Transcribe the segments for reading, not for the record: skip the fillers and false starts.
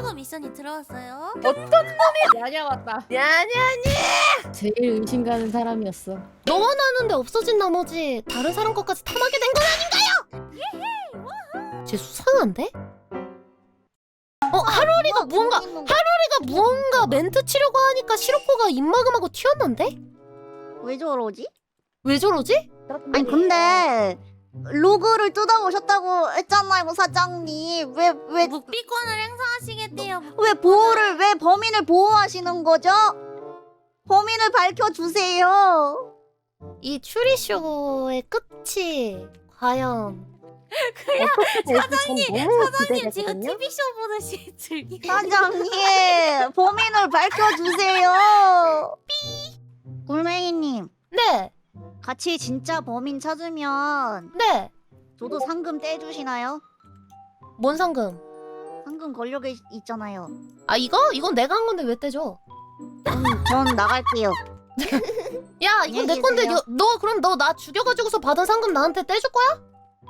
출구 미션이 들어왔어요. 어떤 놈이 야냐 왔다. 야냐니. 제일 의심 가는 사람이었어. 너와 나는데 없어진 나머지 다른 사람 것까지 탐하게 된 건 아닌가요? 쟤 수상한데? 하루리가 무언가 멘트 치려고 하니까 시로코가 입마금하고 튀었는데? 왜 저러지? 왜 저러지? 아니 근데 로그를 뜯어오셨다고 했잖아요 사장님. 왜 묵비권을 행사하시겠대요. 왜 범인을 보호하시는 거죠? 범인을 밝혀주세요. 이 추리쇼의 끝이 과연 사장님 지금 TV쇼 보듯이 즐기고. 사장님 범인을 밝혀주세요. 꿀맹이님 네! 같이 진짜 범인 찾으면 네! 저도 상금 떼주시나요? 뭔 상금? 상금 걸려 있잖아요. 아 이거? 이건 내가 한 건데 왜 떼줘? 전 나갈게요. 야 이건 내 안녕히 건데 계세요. 너 그럼 너 나 죽여가지고서 받은 상금 나한테 떼줄 거야?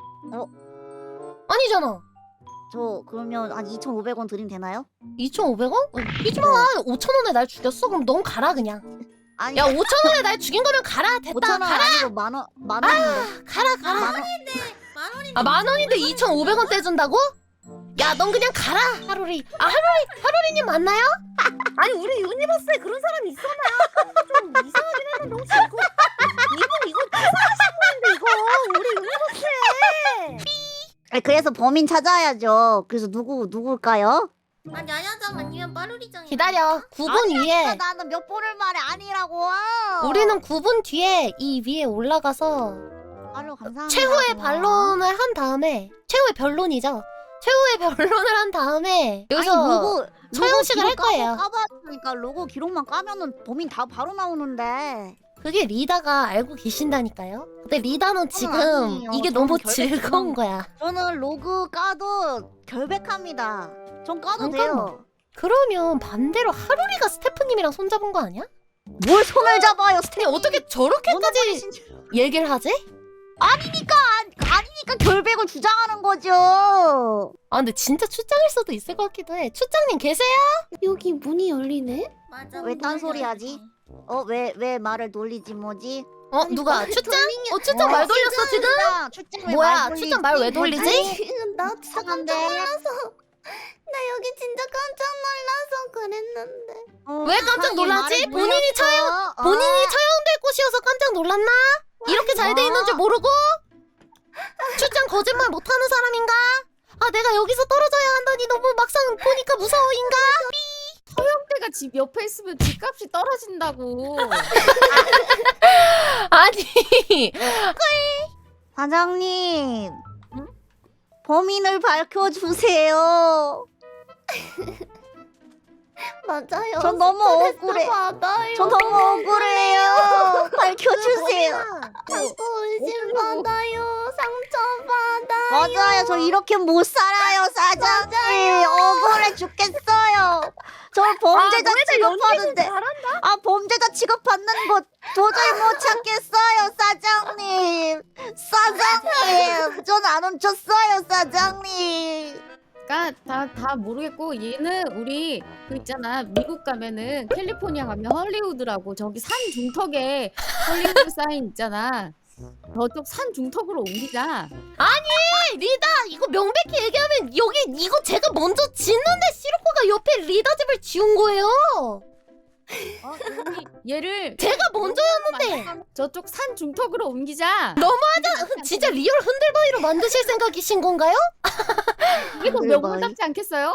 아니잖아. 저 그러면 한 2,500원 드리면 되나요? 2,500원? 삐지마. 5,000원에 날 죽였어? 그럼 넌 가라 그냥. 아니 야 5,000원에 날 죽인 거면 가라. 됐다. 5,000원 가라. 아니고 만원인데. 가라. 만원. 아 10,000원인데 2,500원 떼준다고? 야 넌 그냥 가라 하루리. 아 하루리님 맞나요? 아니 우리 유니버스에 그런 사람이 있었나? 좀 이상하긴 했는데 혹시 이거 이상하신 분인데 이거 우리 유니버스에. 그래서 범인 찾아야죠. 그래서 누굴까요? 아 야야장 아니면 빠루리장. 기다려. 9분 위에. 나는 몇 번을 말해 아니라고. 우리는 9분 뒤에 이 위에 올라가서 아유 감사합니다. 최후의 고마워. 반론을 한 다음에 최후의 변론이죠. 최후의 변론을 한 다음에 여기서 처형식을 할 거예요. 까봤으니까 로고 기록만 까면은 범인 다 바로 나오는데. 그게 리다가 알고 계신다니까요. 근데 리다는 지금 아니에요. 이게 저는 너무 결백 즐거운 거야. 저는 로그 까도 결백합니다. 전 까도 잠깐만. 돼요. 그러면 반대로 하루리가 스태프님이랑 손잡은 거 아니야? 뭘 손을 잡아요, 근데 스테이. 어떻게 저렇게까지 얘기를 하지? 아니니까 결백을 주장하는 거죠. 아 근데 진짜 출장일 수도 있을 것 같기도 해. 출장님 계세요? 여기 문이 열리네? 맞아. 왜 딴소리 하지? 왜 말을 돌리지 뭐지? 누가 출장? 출장 말 돌렸어 지금? 출장 뭐야 출장 말 왜 돌리지? 나 이상한데. 나 여기 진짜 깜짝 놀라서 그랬는데. 왜 깜짝 놀랐지? 본인이 처형될 곳이어서 깜짝 놀랐나? 이렇게 잘 돼 있는 줄 모르고? 출장 거짓말 못하는 사람인가? 아 내가 여기서 떨어져야 한다니 너무 막상 보니까 무서워인가? 형태가 집 옆에 있으면 집값이 떨어진다고. 아니 사장님, 범인을 밝혀주세요. 맞아요. 전 너무 억울해. 받아요. 저 너무 억울해요. 밝혀주세요. 자꾸 의심 받아요. 상처 받아. 맞아요. 저 이렇게 못 살아요, 사장님. 억울해 죽겠어요. 저 범죄자 취급하는데. 범죄자 취급받는 곳 도저히 못 찾겠어요, 사장님. 사장님, 전 안 훔쳤어요, 사장님. 그러니까 다 모르겠고 얘는 우리 그 있잖아 미국 가면은 캘리포니아 가면 헐리우드라고 저기 산 중턱에 헐리우드 사인 있잖아. 저쪽 산 중턱으로 옮기자. 리다 이거 명백히 얘기하면 여기 이거 제가 먼저 짓는데 시로코가 옆에 리다 집을 지운 거예요. 얘를 제가 먼저였는데 저쪽 산 중턱으로 옮기자. 진짜 리얼 흔들바위로 만드실 생각이신 건가요? 이게 더 명분답지 않겠어요?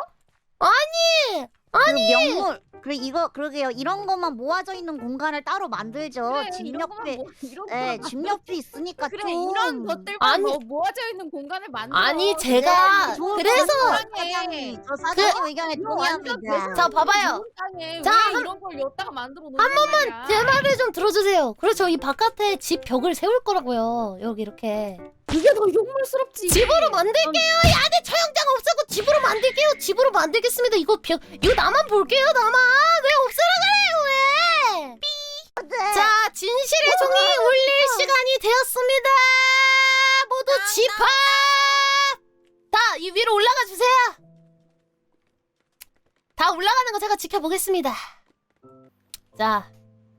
명물. 그러게요. 이런 것만 모아져 있는 공간을 따로 만들죠. 그래, 집 이런 거만 옆에. 이런 네, 거만 집 옆에 있으니까 그래 좀. 이런 것들과 아니. 모아져 있는 공간을 만들어. 아니 제가 좋은 그래서 사장님, 저 사장님 의견에 동의합니다. 자 봐봐요. 땅에 자, 왜 이런 걸 여기다가 만들어 놓는 거야? 제 말을 좀 들어주세요. 그래서 이 바깥에 집 벽을 세울 거라고요. 여기 이렇게 그게 더 욕물스럽지. 집으로 만들게요. 이 안에 처형장 없애고 집으로 만들게요. 집으로 만들겠습니다. 이거 나만 볼게요. 나만 왜 없애라 그래요 왜? 자 진실의 종이 울릴 시간이 되었습니다. 모두 집합. 자 이 위로 올라가 주세요. 다 올라가는 거 제가 지켜보겠습니다. 자,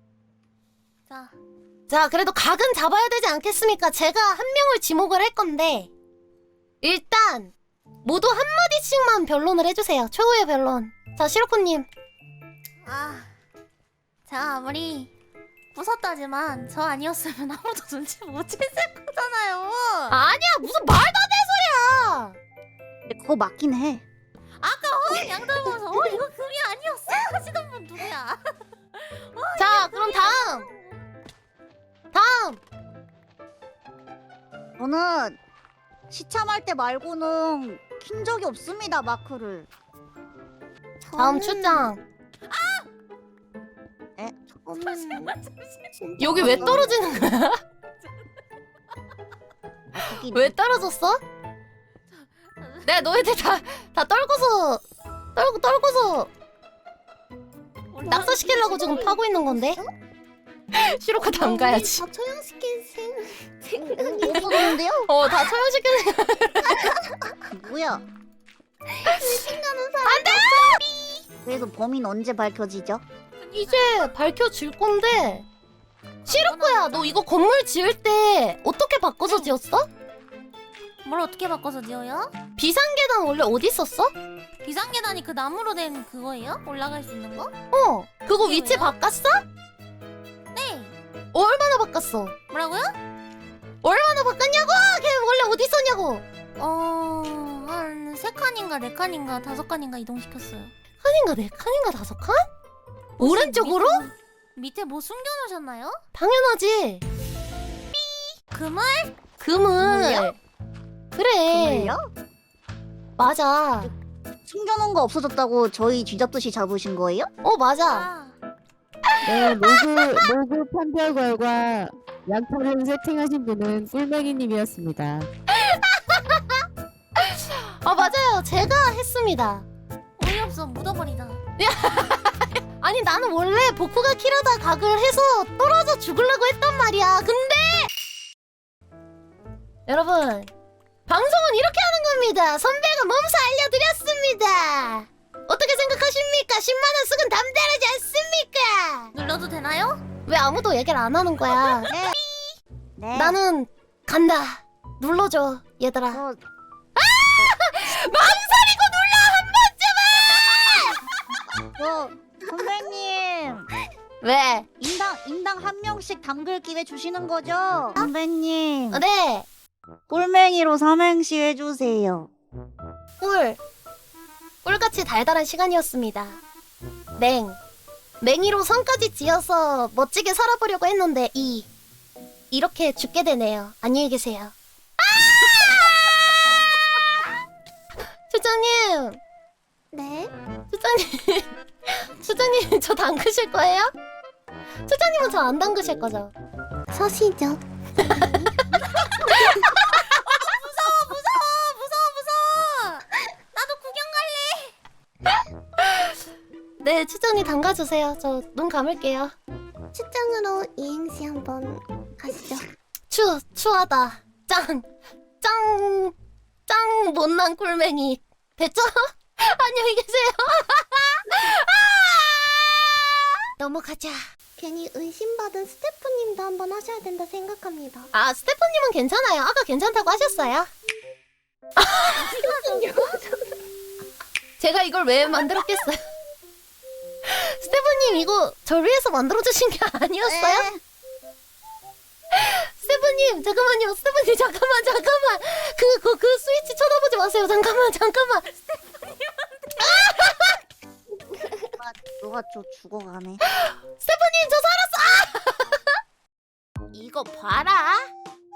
그래도 각은 잡아야 되지 않겠습니까? 제가 한 명을 지목을 할 건데 일단 모두 한 마디씩만 변론을 해주세요. 최후의 변론. 자, 시로코님. 제가 아무리 부쉈다지만 저 아니었으면 아무도 눈치 못 챘을 거잖아요. 아니야, 무슨 말도 안 되는 소리야. 근데 그거 맞긴 해. 아까 양들 보면서 이거 금이 아니었어 하시던 분 누구야? 자, 그럼 다음. 저는 시참할 때 말고는 킨 적이 없습니다, 마크를. 다음 출장. 여기 왜 떨어지는 거야? 왜 떨어졌어? 내가 너희들 다 떨고서 낙서시키려고 지금 파고 있는 건데? 시로카 담가야지. 다 처형시킨 없어졌는데요? 다 처형시키는. 뭐야? 그래서 범인 언제 밝혀지죠? 이제 밝혀질 건데. 시로카야, 너 이거 건물 지을 때 어떻게 바꿔서 지었어? 뭘 어떻게 바꿔서 지어요? 비상계단 원래 어디 있었어? 비상계단이 그 나무로 된 그거예요? 올라갈 수 있는 거? 그거 그게 위치 왜요? 바꿨어? 네. 얼마나 바꿨어? 뭐라고요? 얼마나 바꿨냐고? 걔 원래 어디 있었냐고? 한 3칸인가 4칸인가 5칸인가 이동시켰어요. 칸인가 네 칸인가 5칸? 오른쪽으로? 밑에 뭐 숨겨놓으셨나요? 당연하지. 금을? 금을. 그래. 정말요? 맞아. 숨겨놓은 거 없어졌다고 저희 쥐잡듯이 잡으신 거예요? 맞아. 네, 로그 판별관과 양털을 세팅하신 분은 꿀맹이님이었습니다. 맞아요. 제가 했습니다. 어이없어 묻어버리다. 아니, 나는 원래 보쿠가 키라다 각을 해서 떨어져 죽으려고 했단 말이야. 근데 여러분, 방송은 이렇게 하는 겁니다. 선배가 몸소 알려드렸습니다. 어떻게 생각하십니까? 10만원 쓰곤 담대하지 않습니까? 눌러도 되나요? 왜 아무도 얘기를 안 하는 거야? 네. 나는 간다. 눌러줘, 얘들아. 망설이고 눌러 한 번쯤은! 선배님 왜? 인당 한 명씩 담글 기회 주시는 거죠? 선배님 네. 꿀맹이로 삼행시 해주세요. 꿀같이 달달한 시간이었습니다. 맹이로 성까지 지어서 멋지게 살아보려고 했는데 이렇게 죽게 되네요. 안녕히 계세요. 수장님. 네. 수장님 저 담그실 거예요? 수장님은 저 안 담그실 거죠? 서시죠. 무서워. 나도 구경 갈래. 네, 추장님 담가주세요. 저 눈 감을게요. 출장으로 이행시 한번 가시죠. 추하다. 짱 못난 꿀맹이. 됐죠? 안녕히 계세요. 넘어가자. 괜히 의심받은 스태프님도 한번 하셔야 된다 생각합니다. 스태프님은 괜찮아요. 아까 괜찮다고 하셨어요. 제가 이걸 왜 만들었겠어요? 스태프님 이거 절 위해서 만들어주신 게 아니었어요? 스태프님 잠깐만요. 스태프님 잠깐만. 그 스위치 쳐다보지 마세요. 잠깐만. 누가 저 죽어가네. 스태프님 저 살았어. 이거 봐라.